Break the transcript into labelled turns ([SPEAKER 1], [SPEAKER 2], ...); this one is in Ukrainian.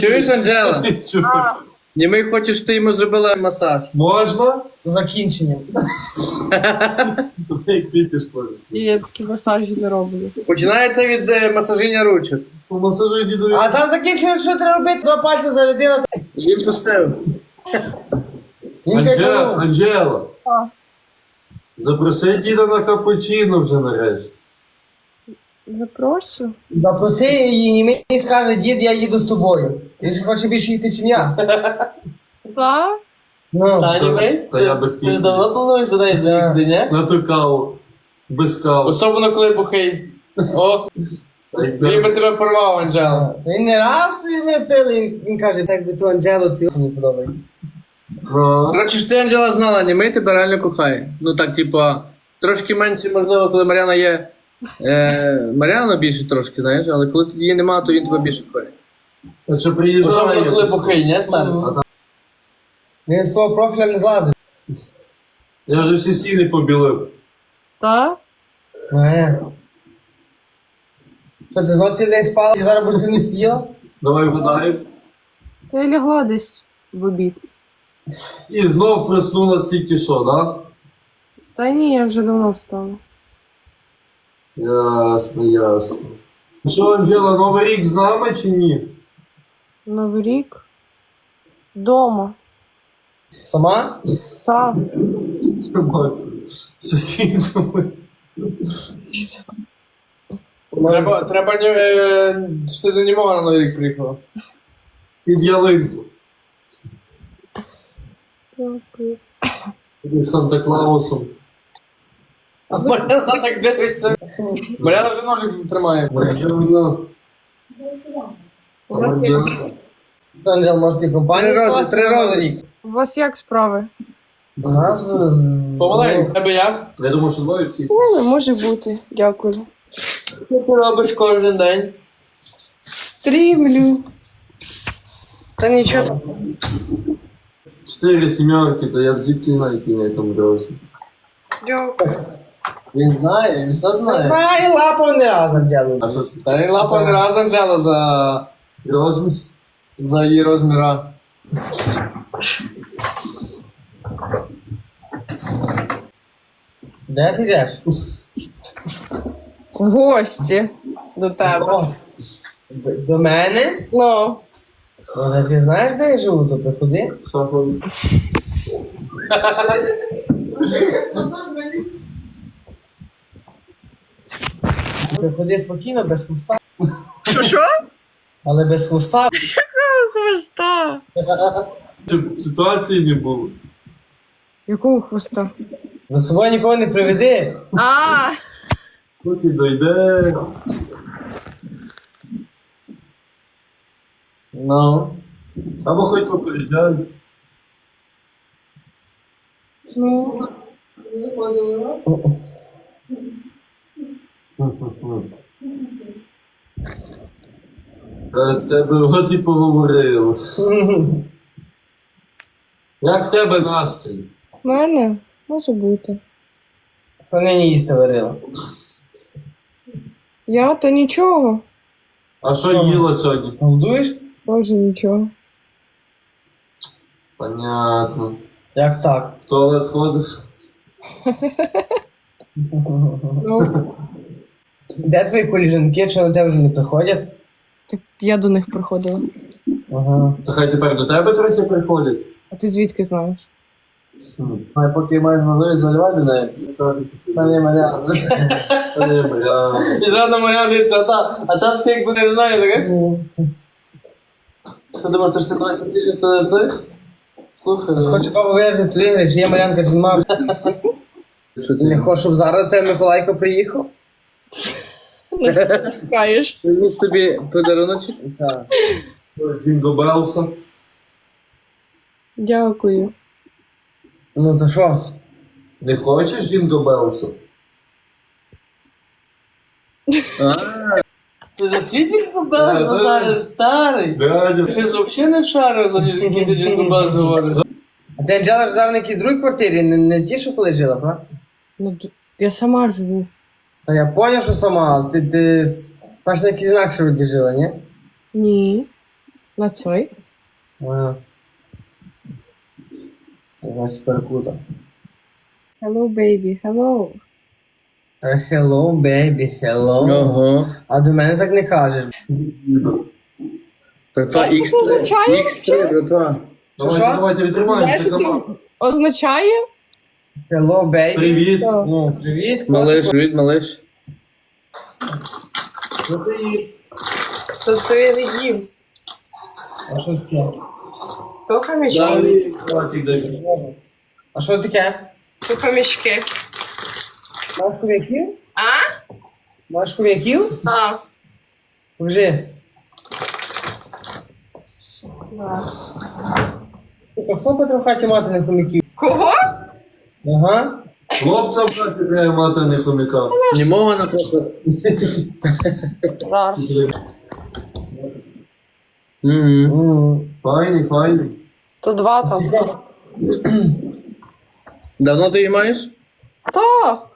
[SPEAKER 1] Чуєш, Анджела?
[SPEAKER 2] А,
[SPEAKER 1] Німий хоче, щоб ти йому зробила масаж.
[SPEAKER 3] Можна?
[SPEAKER 2] закінченням.
[SPEAKER 3] Як пітиш, Коля.
[SPEAKER 4] Я такі масажі не роблю.
[SPEAKER 1] Починається від масаження ручок.
[SPEAKER 3] По масажу дідові.
[SPEAKER 2] А там закінчення, що треба робити? Два пальці зарядила.
[SPEAKER 1] Він поставив.
[SPEAKER 2] Він каже,
[SPEAKER 3] Анджела.
[SPEAKER 4] А.
[SPEAKER 3] Запроси діда на капучино вже нарешті.
[SPEAKER 4] Запрошу.
[SPEAKER 2] запроси її, і мені скаже, дід, я їду з тобою. Він ж хоче більше йти, ніж я.
[SPEAKER 4] Так?
[SPEAKER 2] Ну,
[SPEAKER 3] Та я би
[SPEAKER 5] Ти ж
[SPEAKER 3] хотів.
[SPEAKER 5] давно плануєш до неї заїхати, ні?
[SPEAKER 3] На ту каву. Без кави.
[SPEAKER 1] Особливо, коли бухий. О,
[SPEAKER 3] Та й
[SPEAKER 1] він би тебе порвав, Анджела.
[SPEAKER 2] то він не раз ми пили, він каже, так би ту Анджелу, це мені подобається.
[SPEAKER 3] Ну,
[SPEAKER 1] Коротше, ж ти, Анджела, знала, Німий тебе реально кохає. Ну так, типа, трошки менше, можливо, коли Мар'яна є. Мар'яна більше трошки, знаєш, але коли її немає, то він тебе більше кохає.
[SPEAKER 3] а що приїжджає?
[SPEAKER 5] Особливо, коли бухий, ні, старий?
[SPEAKER 2] Він з свого профіля не злазив.
[SPEAKER 3] Я вже всі стіни побілив.
[SPEAKER 4] Так?
[SPEAKER 2] Ну, що, ти знов цілий день спала і зараз б не сиділа?
[SPEAKER 3] Давай вгадаємо.
[SPEAKER 4] Та я лягла десь в обід.
[SPEAKER 3] І знов проснулась тільки що, да?
[SPEAKER 4] Та ні, я вже давно встала.
[SPEAKER 3] Ясно, ясно. Що, Анджела, Новий рік з нами чи ні?
[SPEAKER 4] Новий рік. Дома.
[SPEAKER 2] Сама?
[SPEAKER 4] Так.
[SPEAKER 3] Триматися. Сусідами.
[SPEAKER 1] Треба, що ти до німого на Новий рік приїхала.
[SPEAKER 3] Під ялинку.
[SPEAKER 4] Дякую.
[SPEAKER 3] Під Санта-Клаусом.
[SPEAKER 1] А Мар'яна так дивиться. Мар'яна вже ножик тримає.
[SPEAKER 3] Мар'яна. Мар'яна.
[SPEAKER 2] Анджел, може ти компанію
[SPEAKER 1] 3 рази,
[SPEAKER 2] скласти
[SPEAKER 1] 3
[SPEAKER 2] на Новий
[SPEAKER 1] рази.
[SPEAKER 2] рік?
[SPEAKER 4] У вас як справи?
[SPEAKER 2] У нас
[SPEAKER 1] Помаленьку. Тебе як?
[SPEAKER 3] Я думаю, що двоє втік.
[SPEAKER 4] Ну, може бути. Дякую.
[SPEAKER 1] Що ти робиш кожен день?
[SPEAKER 4] Стрімлю. Та нічого.
[SPEAKER 3] 4 сімерки, то я звідки знаю, який на цьому дорозі.
[SPEAKER 4] Дякую.
[SPEAKER 1] Він знає, він все знає.
[SPEAKER 2] Знає, лапав не раз Анджелу.
[SPEAKER 3] А що
[SPEAKER 1] Та він лапав не раз Анджела
[SPEAKER 3] розмір?
[SPEAKER 1] за її розміра.
[SPEAKER 2] Де ти йдеш?
[SPEAKER 4] В гості до тебе.
[SPEAKER 2] О, до мене?
[SPEAKER 4] Ну.
[SPEAKER 2] Але ти знаєш, де я живу, то приходи.
[SPEAKER 3] Що ходить?
[SPEAKER 2] Приходи спокійно, без хвоста.
[SPEAKER 4] Що?
[SPEAKER 2] Але без хвоста.
[SPEAKER 4] Хвоста.
[SPEAKER 3] Щоб ситуації не було.
[SPEAKER 4] Якого хвоста?
[SPEAKER 2] За собою нікого не приведи.
[SPEAKER 4] А,
[SPEAKER 3] Поки дойде.
[SPEAKER 1] Ну.
[SPEAKER 3] Або хоч попереджай.
[SPEAKER 4] ну.
[SPEAKER 3] Та з тебе от і поговорили. Як в тебе настрій?
[SPEAKER 4] В мене? Може бути.
[SPEAKER 2] Що нині їсти варила?
[SPEAKER 4] Я то нічого.
[SPEAKER 3] А що їла сьогодні?
[SPEAKER 2] Голодуєш?
[SPEAKER 4] Може нічого.
[SPEAKER 3] Понятно.
[SPEAKER 2] Як так?
[SPEAKER 3] В туалет ходиш?
[SPEAKER 4] Ну,
[SPEAKER 2] Де твої коліжанки, що на тебе вже не приходять?
[SPEAKER 4] так я до них приходила.
[SPEAKER 2] Ага.
[SPEAKER 3] Та хай тепер до тебе трохи приходять.
[SPEAKER 4] А ти звідки знаєш?
[SPEAKER 1] А поки маєш можливість заливати до неї. Пані Мар'яна.
[SPEAKER 3] Бля.
[SPEAKER 1] І зразу Мар'яна дивиться, а та ти якби не знає, так? Що думав, то ж ти 20 тисяч, то не ти? Слухай.
[SPEAKER 2] Хочу кого вирішити, то виграєш, є Мар'янка, чи нема.
[SPEAKER 1] Що
[SPEAKER 2] Не
[SPEAKER 1] ти?
[SPEAKER 2] хочеш, щоб зараз до тебе Миколайко приїхав?
[SPEAKER 4] Не чекаєш.
[SPEAKER 1] Приніс тобі подаруночок?
[SPEAKER 2] Так.
[SPEAKER 3] Джинго Белса.
[SPEAKER 4] Дякую.
[SPEAKER 2] Ну то що?
[SPEAKER 3] Не хочеш Джинго Белса?
[SPEAKER 5] Ти за світі побелась, Назариш, старий?
[SPEAKER 3] Дядя.
[SPEAKER 1] Ти ж взагалі не вшарив, за які ти джингубас говориш.
[SPEAKER 2] А ти Анджела ж зараз на якійсь другій квартирі, не ті, що коли жила, правда?
[SPEAKER 4] Ну, я сама живу.
[SPEAKER 2] Та я поняв, що сама, але ти перш на якійсь інакше вроді жила, ні?
[SPEAKER 4] Ні. На цей.
[SPEAKER 2] Ага. Значить, перекута.
[SPEAKER 4] Hello, baby, hello.
[SPEAKER 2] Hello, baby, hello.
[SPEAKER 1] Ого.
[SPEAKER 2] А до мене так не кажеш.
[SPEAKER 1] Братва,
[SPEAKER 4] Знаєш, що це
[SPEAKER 1] X3.
[SPEAKER 4] означає?
[SPEAKER 1] X3, братва.
[SPEAKER 2] Що?
[SPEAKER 3] Давайте
[SPEAKER 4] Знаєш,
[SPEAKER 3] відтримаємося.
[SPEAKER 4] що це означає?
[SPEAKER 2] Hello, baby.
[SPEAKER 3] Привіт.
[SPEAKER 4] Що?
[SPEAKER 2] Ну, привіт,
[SPEAKER 1] Малиш, привіт, малиш.
[SPEAKER 4] Тобто я не їм.
[SPEAKER 2] А що таке?
[SPEAKER 4] То хомячки.
[SPEAKER 1] Далі.
[SPEAKER 2] А що таке?
[SPEAKER 4] То хомячки.
[SPEAKER 2] Маєш хом'яків?
[SPEAKER 4] А?
[SPEAKER 2] Маєш хом'яків?
[SPEAKER 4] Так.
[SPEAKER 2] Покажи.
[SPEAKER 4] Клас.
[SPEAKER 2] Сука, хлопець в хаті мати не хом'яків.
[SPEAKER 4] Кого?
[SPEAKER 2] Ага.
[SPEAKER 3] Хлопця в хаті треба мати, а не хомяка.
[SPEAKER 1] Німого, наприклад.
[SPEAKER 4] Зараз.
[SPEAKER 1] Мгм.
[SPEAKER 3] Файний, файний.
[SPEAKER 4] То два там.
[SPEAKER 1] Давно ти її маєш?
[SPEAKER 4] То!